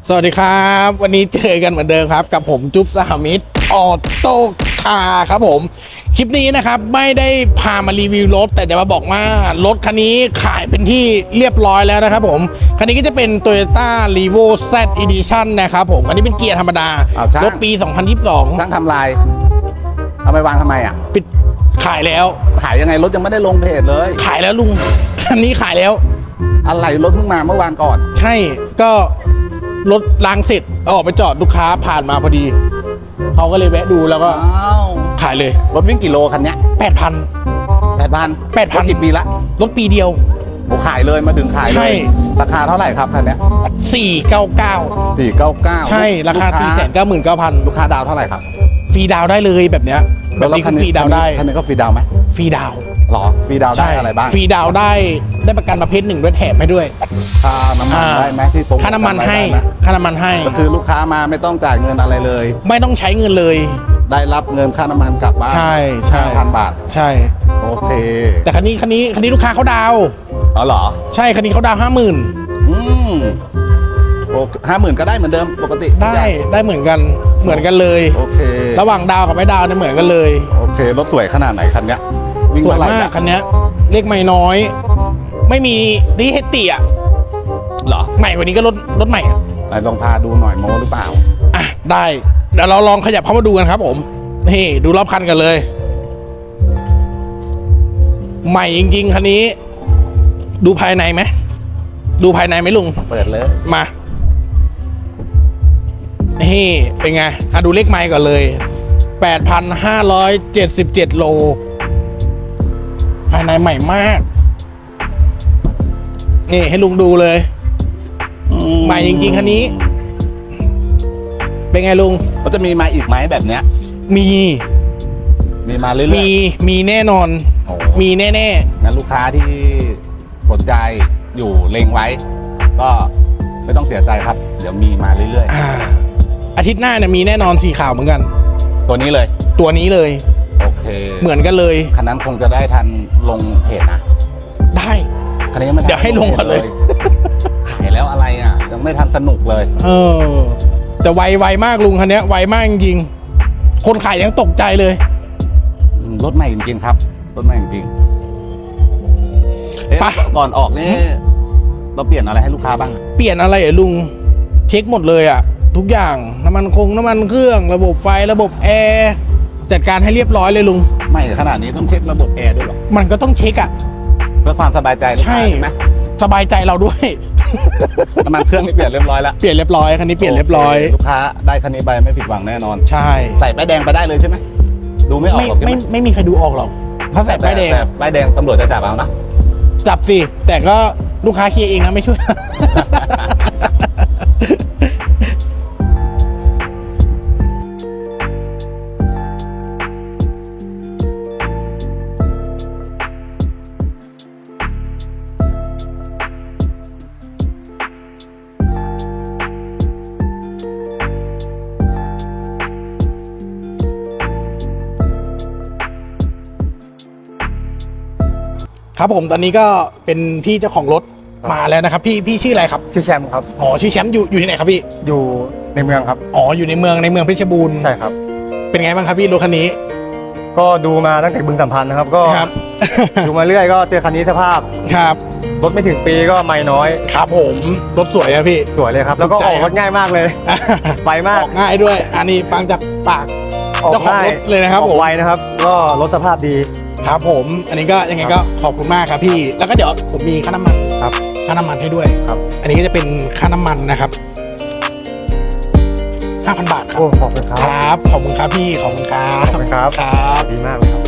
สวัสดีครับวันนี้เจอกันเหมือนเดิมครับกับผมจุ๊บสหมิตรออโต้คาร์ครับผมคลิปนี้นะครับไม่ได้พามารีวิวรถแต่จะมาบอกว่ารถคันนี้ขายเป็นที่เรียบร้อยแล้วนะครับผมคันนี้ก็จะเป็น Toyota Revo Z Edition นะครับผมอันนี้เป็นเกียร์ธรรมดารถปี 2022 ช่างทำลายเอาไปวางทำไมอ่ะปิดขายแล้วขายยังไงรถยังไม่ได้ลงเพจเลยขายแล้วลุงคันนี้ขายแล้วอะไรรถเพิ่งมาเมื่อวานก่อนใช่ก็รถล้างเสร็จเอาออกไปจอดลูกค้าผ่านมาพอดีเขาก็เลยแวะดูแล้วก็อ้าวขายเลยรถวิ่งกี่โลคันเนี้ย 8,000 8,000 8,000 กี่ปีละรถปีเดียวผมขายเลยมาดึงขายใช่เลยราคาเท่าไหร่ครับคันเนี้ย 499 499 ใช่ราคา 499,000 ลูกค้าดาวเท่าไหร่ครับฟรีดาวได้เลยแบบเนี้ยแบบนี้คือฟรีดาวได้คันนี้ก็ฟรีดาวไหมฟรีดาวหรอฟรีดาวได้อะไรบ้างฟรีดาวได้ประกันประเภทหนึ่งด้วยแถมให้ด้วยค่าน้ำมันได้ไหมที่โปรโมทค่าน้ำมันให้ได้ไหมค่าน้ำมันให้ก็คือลูกค้ามาไม่ต้องจ่ายเงินอะไรเลยไม่ต้องใช้เงินเลยได้รับเงินค่าน้ำมันกลับบ้านใช่ 5,000 บาทใช่โอเคแต่คันนี้ลูกค้าเขาดาวอ๋อเหรอใช่คันนี้เขาดาว 50,000 อืมโอเค50,000ก็ได้เหมือนเดิมปกติได้เหมือนกันเลยโอเคระหว่างดาวกับไม่ดาวเนี่ยเหมือนกันเลยโอเครถสวยขนาดไหนคันเนี้ยวิ่งสวยเท่าไหร่มากเนี่ยคันเนี้ยเลขไม่น้อย ไม่มีดีเฮตติอ่ะเหรอใหม่กว่านี้ก็รถใหม่อะไหนลองพาดูหน่อยโมหรือเปล่าอ่ะได้เดี๋ยวเราลองขยับเข้ามาดูกันครับผมนี่ดูรอบคันกันเลย ใหม่จริงๆคันนี้ ดูภายในไหมลุงเปิดเลยมานี่เป็นไงอ่ะดูเลขไมล์ก่อนเลย 8,577 โล ภายในใหม่มาก นี่ให้ลุงดูเลย ใหม่จริงๆคันนี้ เป็นไงลุงมันจะมีมาอีกไหมแบบเนี้ยมีมีมาเรื่อยๆมีแน่นอนโอ้มีแน่งั้นลูกค้าที่สนใจอยู่เล็งไว้ ก็ไม่ต้องเสียใจครับ เดี๋ยวมีมาเรื่อยอาทิตย์หน้าเนี่ยมีแน่นอนสีขาวเหมือนกันๆ ตัวนี้เลยตัวนี้เลยโอเคเหมือนกันเลยคันนั้นคงจะได้ทันลงเพจนะได้คันนี้ยังไม่ทันเดี๋ยวให้ลงก่อนเลยขายแล้วอะไรอ่ะ ยังไม่ทันสนุกเลยแต่ไวมากลุงคันเนี้ยไวมากจริงๆคนขายยังตกใจเลยรถใหม่จริงๆครับรถใหม่จริงๆเอ๊ะไปก่อนออกนี่เราเปลี่ยนอะไรให้ลูกค้าบ้างเปลี่ยนอะไรเหรอลุงเช็คหมดเลยอะทุกอย่างน้ำมันเครื่องระบบไฟระบบแอร์จัดการให้เรียบร้อยเลยลุงไม่ขนาดนี้ต้องเช็คระบบแอร์ด้วยเหรอมันก็ต้องเช็คอะเพื่อความสบายใจลูกใช่ค้าใช่ไหมสบายใจเราด้วยน้ำมันเครื่องนี่เปลี่ยนเรียบร้อยแล้วเปลี่ยนเรียบร้อยคันนี้เปลี่ยนเรียบร้อยโเคลูกค้าได้คันนี้ไปไม่ผิดหวังแน่นอนใช่ใส่ป้ายแดงไปได้เลยใช่ไหมดูไม่ออกหรอกใช่ไหมไม่มีใครดูออกหรอกถ้าใส่ป้ายแดงแต่ป้ายแดงตำรวจจะจับเอานะจับสิแต่ก็ลูกค้าเคลียร์เองนะไม่ช่วย ครับผมตอนนี้ก็เป็นพี่เจ้าของรถมาแล้วนะครับพี่ชื่ออะไรครับชื่อแชมป์ครับอ๋อชื่อแชมป์อยู่ที่ไหนครับพี่อยู่ในเมืองครับอ๋ออยู่ในเมืองเพชรบูรณ์ใช่ครับเป็นไงบ้างครับพี่รถคันนี้ก็ดูมาตั้งแต่บึงสัมพันธ์นะครับ ก็ครับดูมาเรื่อยก็เจอคันนี้สภาพครับรถไม่ถึงปีก็ไม่น้อยครับผมรถสวยอะพี่สวยเลยครับ แล้วก็ถูกใจออกรถง่ายมากเลยไวมากออกง่ายด้วย อันนี้ฟังจากปาก เจ้าของรถเลยนะครับออกผมไวนะครับ ก็รถสภาพดีครับผมอันนี้ก็ยังไงก็ขอบคุณมากครับพี่ แล้วก็เดี๋ยวผมมีค่าน้ำมันครับค่าน้ำมันให้ด้วยครับอันนี้ก็จะเป็นค่าน้ำมันนะครับ 5,000 บาทครับโอ้ขอบคุณครับครับขอบคุณครับพี่ขอบคุณครับขอบคุณครับครับดีมากเลยครับ